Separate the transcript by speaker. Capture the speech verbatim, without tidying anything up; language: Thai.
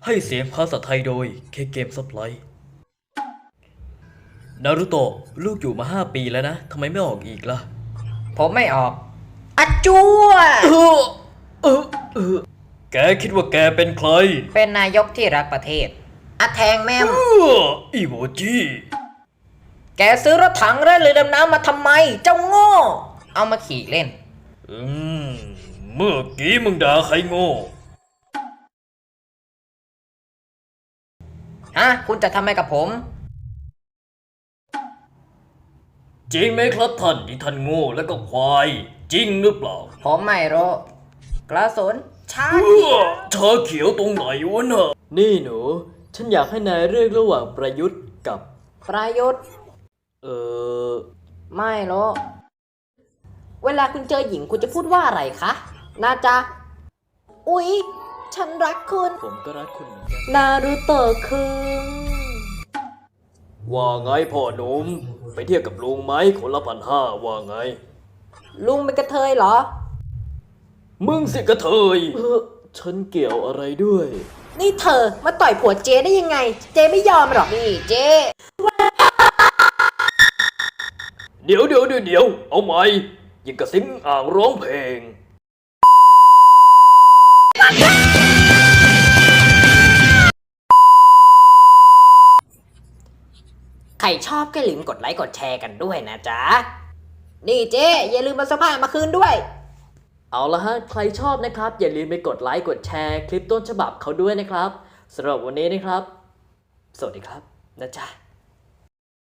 Speaker 1: ให้เสียงภาษาไทยโดยเคเกมซับไลท์นารุโตะลูกอยู่มาห้าปีแล้วนะทำไมไม่ออกอีกล่ะ
Speaker 2: ผมไม่ออกอะจัว
Speaker 1: เออเออเออแกคิดว่าแกเป็นใคร
Speaker 2: เป็นนายกที่รักประเทศอะแทงแม่ม
Speaker 1: เอออีโมจิ
Speaker 2: แกซื้อรถถังและเรือดำน้ำมาทำไมเจ้าโง่เอามาขี่เล่น
Speaker 1: อืมเมื่อกี้มึงด่าใครโง่
Speaker 2: ฮะคุณจะทำอะไรกับผม
Speaker 1: จริงไหมครับท่านที่ท่านโง่แล้วก็ควายจริงหรือเปล่า
Speaker 2: ผมไม่รู้กระสุนชา
Speaker 1: ชาเขียวตรงไหนวะน่ะนี่หนูฉันอยากให้นายเลือกระหว่างประยุทธ์กับ
Speaker 2: ประยุทธ์
Speaker 1: เออ
Speaker 2: ไม่รู้เวลาคุณเจอหญิงคุณจะพูดว่าอะไรคะนาจ๊ะอุ๊ยฉันรักคุณ
Speaker 1: ผมก็รักคุณเหมือนกัน
Speaker 2: นารูโตะคุง
Speaker 1: ว่าไงพ่อหนุ่มไปเที่ยวกับลุงไหมคนละพันห้าว่าไง
Speaker 2: ลุงเป็นกระเทยเหรอ
Speaker 1: มึงสิกระเทยเออฉันเกี่ยวอะไรด้วย
Speaker 2: นี่เธอมาต่อยผัวเจ๊ได้ยังไงเจ๊ไม่ยอมหรอกนี่เจ๊
Speaker 1: เดี๋ยวเดี๋ยวเดี๋ยวเดี๋ยวเอาใหม่ยิงกระซิงอ่างร้องเพลง
Speaker 2: ใครชอบก็ลืมกดไลค์กดแชร์กันด้วยนะจ๊ะนี่เจ๊อย่าลืมมาสภาพมาคืนด้วย
Speaker 1: เอาละฮะใครชอบนะครับอย่าลืมไปกดไลค์กดแชร์คลิปต้นฉบับเขาด้วยนะครับสำหรับวันนี้นะครับสวัสดีครับนะจ๊ะ